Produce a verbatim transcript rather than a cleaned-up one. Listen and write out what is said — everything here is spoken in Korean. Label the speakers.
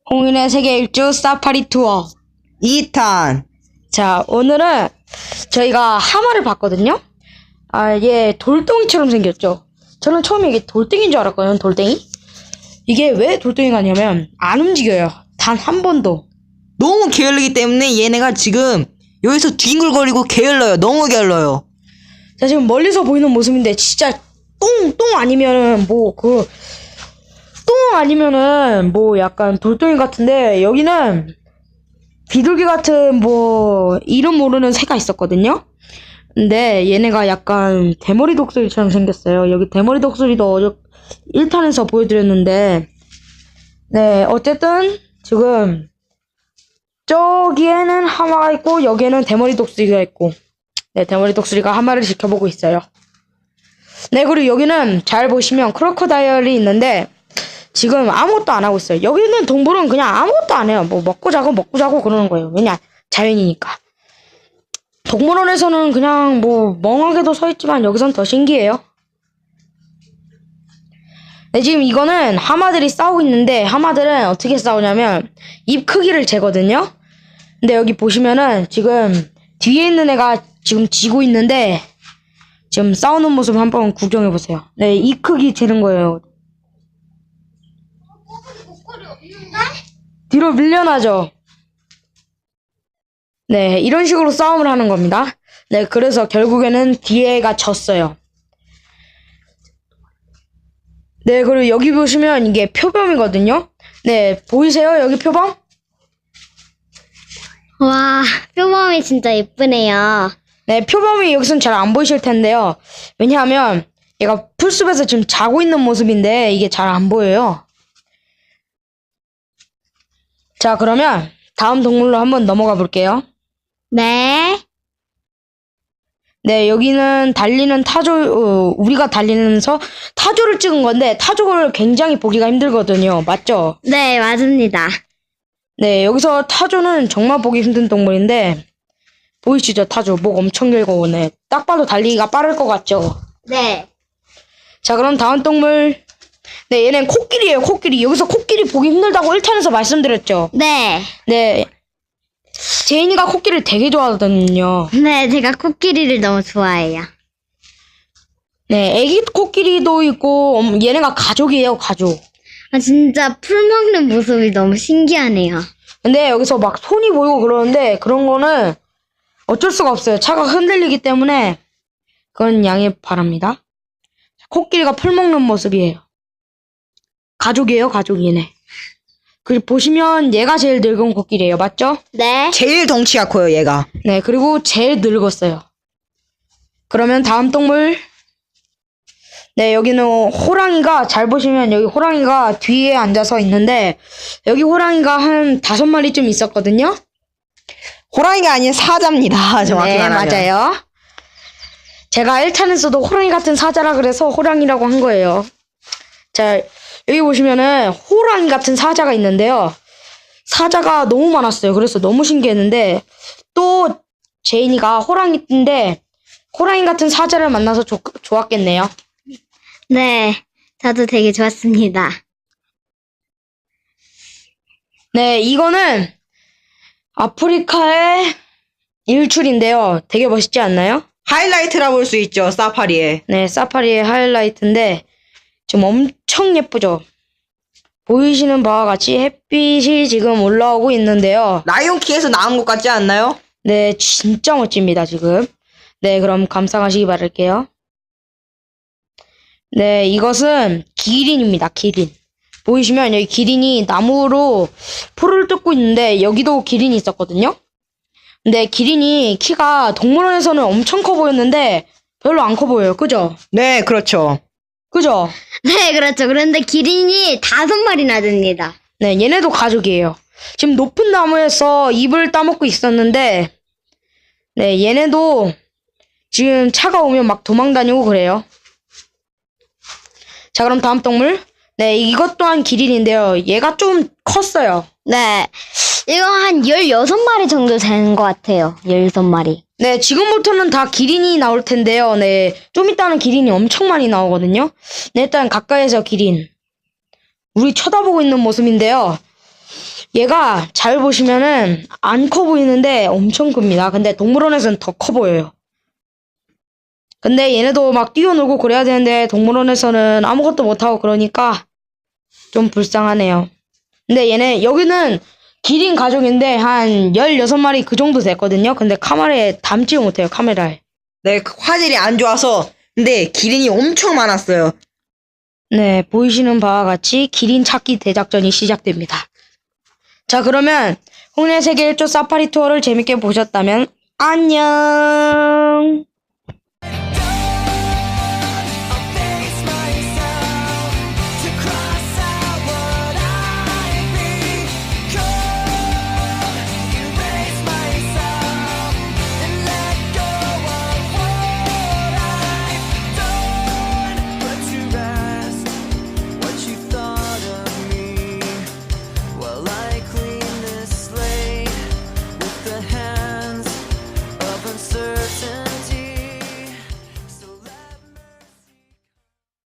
Speaker 1: 홍인의 세계 일주 사파리 투어
Speaker 2: 이 탄.
Speaker 1: 자, 오늘은 저희가 하마를 봤거든요. 아, 얘 돌덩이처럼 생겼죠. 저는 처음에 이게 돌덩이인 줄 알았거든요. 돌덩이. 이게 왜 돌덩이가 아니냐면 안 움직여요. 단 한 번도.
Speaker 2: 너무 게을르기 때문에 얘네가 지금 여기서 뒹굴거리고 게을러요. 너무 게을러요.
Speaker 1: 자, 지금 멀리서 보이는 모습인데 진짜 똥, 똥 아니면은 뭐 그 똥 아니면은 뭐 약간 돌덩이 같은데 여기는 비둘기 같은 뭐 이름 모르는 새가 있었거든요. 근데 얘네가 약간 대머리 독수리처럼 생겼어요. 여기 대머리 독수리도 어저 일 탄에서 보여드렸는데, 네, 어쨌든 지금 저기에는 하마가 있고 여기에는 대머리 독수리가 있고, 네, 대머리 독수리가 하마를 지켜보고 있어요. 네, 그리고 여기는 잘 보시면 크로커다일이 있는데 지금 아무것도 안 하고 있어요. 여기 있는 동물은 그냥 아무것도 안 해요. 뭐 먹고 자고 먹고 자고 그러는 거예요. 왜냐? 자연이니까. 동물원에서는 그냥 뭐 멍하게도 서 있지만 여기선 더 신기해요. 네, 지금 이거는 하마들이 싸우고 있는데 하마들은 어떻게 싸우냐면 입 크기를 재거든요. 근데 여기 보시면은 지금 뒤에 있는 애가 지금 지고 있는데 지금 싸우는 모습 한번 구경해보세요. 네, 입 크기 재는 거예요. 뒤로 밀려나죠. 네, 이런 식으로 싸움을 하는 겁니다. 네, 그래서 결국에는 뒤에가 졌어요. 네, 그리고 여기 보시면 이게 표범이거든요. 네, 보이세요? 여기 표범?
Speaker 3: 와, 표범이 진짜 예쁘네요.
Speaker 1: 네, 표범이 여기선 잘 안 보이실 텐데요. 왜냐하면 얘가 풀숲에서 지금 자고 있는 모습인데 이게 잘 안 보여요. 자, 그러면 다음 동물로 한번 넘어가 볼게요.
Speaker 3: 네.
Speaker 1: 네, 여기는 달리는 타조, 어, 우리가 달리면서 타조를 찍은 건데 타조를 굉장히 보기가 힘들거든요. 맞죠?
Speaker 3: 네, 맞습니다.
Speaker 1: 네, 여기서 타조는 정말 보기 힘든 동물인데 보이시죠? 타조 목 엄청 길고 오네. 딱 봐도 달리기가 빠를 것 같죠?
Speaker 3: 네.
Speaker 1: 자, 그럼 다음 동물. 네, 얘는 코끼리예요. 코끼리. 여기서 코끼리 보기 힘들다고 일 탄에서 말씀드렸죠?
Speaker 3: 네.
Speaker 1: 네, 제인이가 코끼리를 되게 좋아하거든요.
Speaker 3: 네, 제가 코끼리를 너무 좋아해요.
Speaker 1: 네, 애기 코끼리도 있고 음, 얘네가 가족이에요. 가족.
Speaker 3: 아, 진짜 풀 먹는 모습이 너무 신기하네요.
Speaker 1: 근데 여기서 막 손이 보이고 그러는데 그런 거는 어쩔 수가 없어요. 차가 흔들리기 때문에 그건 양해 바랍니다. 코끼리가 풀 먹는 모습이에요. 가족이에요. 가족 얘네. 그리고 보시면 얘가 제일 늙은 코끼리예요. 맞죠?
Speaker 3: 네.
Speaker 2: 제일 덩치가 커요, 얘가.
Speaker 1: 네, 그리고 제일 늙었어요. 그러면 다음 동물. 네, 여기는 호랑이가, 잘 보시면 여기 호랑이가 뒤에 앉아서 있는데 여기 호랑이가 한 다섯 마리쯤 있었거든요.
Speaker 2: 호랑이가 아닌 사자입니다. 정확히
Speaker 1: 네,
Speaker 2: 말하면.
Speaker 1: 맞아요. 제가 일 탄에서도 호랑이 같은 사자라 그래서 호랑이라고 한 거예요. 자, 여기 보시면은 호랑이 같은 사자가 있는데요. 사자가 너무 많았어요. 그래서 너무 신기했는데 또 제인이가 호랑이인데 호랑이 같은 사자를 만나서 조, 좋았겠네요.
Speaker 3: 네. 저도 되게 좋았습니다.
Speaker 1: 네, 이거는 아프리카의 일출인데요. 되게 멋있지 않나요?
Speaker 2: 하이라이트라 볼 수 있죠, 사파리에.
Speaker 1: 네, 사파리의 하이라이트인데 지금 엄청 예쁘죠? 보이시는 바와 같이 햇빛이 지금 올라오고 있는데요.
Speaker 2: 라이온킹에서 나온 것 같지 않나요?
Speaker 1: 네, 진짜 멋집니다, 지금. 네, 그럼 감상하시기 바랄게요. 네, 이것은 기린입니다, 기린. 보이시면 여기 기린이 나무로 풀을 뜯고 있는데 여기도 기린이 있었거든요? 근데 기린이 키가 동물원에서는 엄청 커 보였는데 별로 안 커 보여요, 그죠?
Speaker 2: 네, 그렇죠.
Speaker 1: 그죠?
Speaker 3: 네, 그렇죠. 그런데 기린이 다섯 마리나 됩니다.
Speaker 1: 네, 얘네도 가족이에요. 지금 높은 나무에서 잎을 따먹고 있었는데, 네, 얘네도 지금 차가 오면 막 도망다니고 그래요. 자, 그럼 다음 동물. 네, 이것 또한 기린인데요. 얘가 좀 컸어요.
Speaker 3: 네. 이거 한 열여섯 마리 정도 되는 것 같아요. 열여섯 마리.
Speaker 1: 네, 지금부터는 다 기린이 나올 텐데요. 네, 좀 이따는 기린이 엄청 많이 나오거든요. 네, 일단 가까이에서 기린. 우리 쳐다보고 있는 모습인데요. 얘가 잘 보시면은 안 커 보이는데 엄청 큽니다. 근데 동물원에서는 더 커 보여요. 근데 얘네도 막 뛰어놀고 그래야 되는데 동물원에서는 아무것도 못하고 그러니까 좀 불쌍하네요. 근데 얘네 여기는 기린 가족인데 한 열여섯 마리 그 정도 됐거든요. 근데 카메라에 담지 못해요. 카메라에.
Speaker 2: 네, 그 화질이 안 좋아서. 근데 기린이 엄청 많았어요.
Speaker 1: 네, 보이시는 바와 같이 기린 찾기 대작전이 시작됩니다. 자, 그러면 홍련 세계 일 조 사파리 투어를 재밌게 보셨다면 안녕.